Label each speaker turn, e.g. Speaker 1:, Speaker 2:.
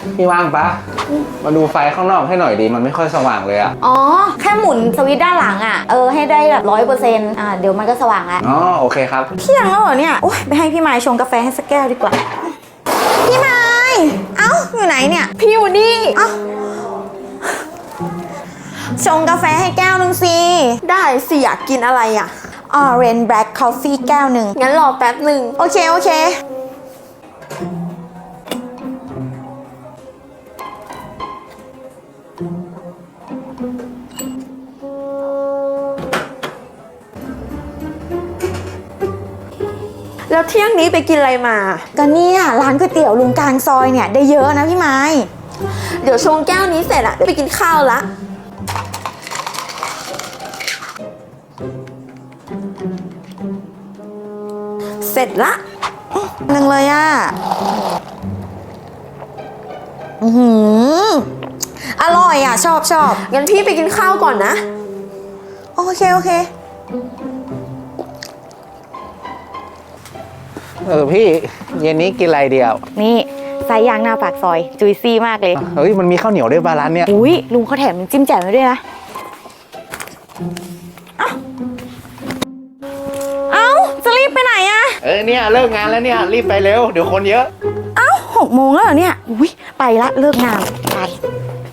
Speaker 1: พี่ว่างปะมาดูไฟข้างนอกให้หน่อยดีมันไม่ค่อยสว่างเลยอะ
Speaker 2: อ๋อแค่หมุนสวิตช์ด้านหลังอ่ะให้ได้แบบ100%เดี๋ยวมันก็สว่างแล้ว
Speaker 1: อ๋อโอเคครับ
Speaker 2: เที่ยงแล้วเหรอเนี่ยโอ๊ยไปให้พี่ไม้ชงกาแฟให้สักแก้วดีกว่าพี่ไม้เอ้าอยู่ไหนเนี่ยพี่อยู่นี่เอ้าชงกาแฟให้แก้วนึงสิ
Speaker 3: ได้สิอยากกินอะไรอ่ะ
Speaker 2: Orange Black Coffee แก้วนึง
Speaker 3: งั้นรอแป๊บหนึ่ง
Speaker 2: โอเค
Speaker 3: แล้วเที่ยงนี้ไปกินอะไรมา
Speaker 2: ก็เนี่ยร้านก๋วยเตี๋ยวลุงกลางซอยเนี่ยได้เยอะนะพี่ไม้
Speaker 3: เดี๋ยวชงแก้วนี้เสร็จอะเดี๋ยวไปกินข้าวละเสร็จละ
Speaker 2: หนึ่งเลยอ่ะอร่อยอ่ะชอบ
Speaker 3: งั้นพี่ไปกินข้าวก่อนนะ
Speaker 2: โอเค
Speaker 1: พี่เย็นนี้กินอะไรเดียว
Speaker 2: นี่ไส้ย่างหน้าปากซอยจุยซี่มากเลย
Speaker 1: เฮ้ยมันมีข้าวเหนียวด้วยปะร้านเนี้ย
Speaker 2: อุ้ยลุงเขาแถมจิ้มแจ่วมาด้วยนะเอ้าจะรีบไปไหนอะ
Speaker 1: เนี่ยเลิกงานแล้วเนี่ยรีบไปเร็วเดี๋ยวคนเยอะ
Speaker 2: 6 โมงแล้วเหรอเนี่ยอุ้ยไปละเลิกงานไป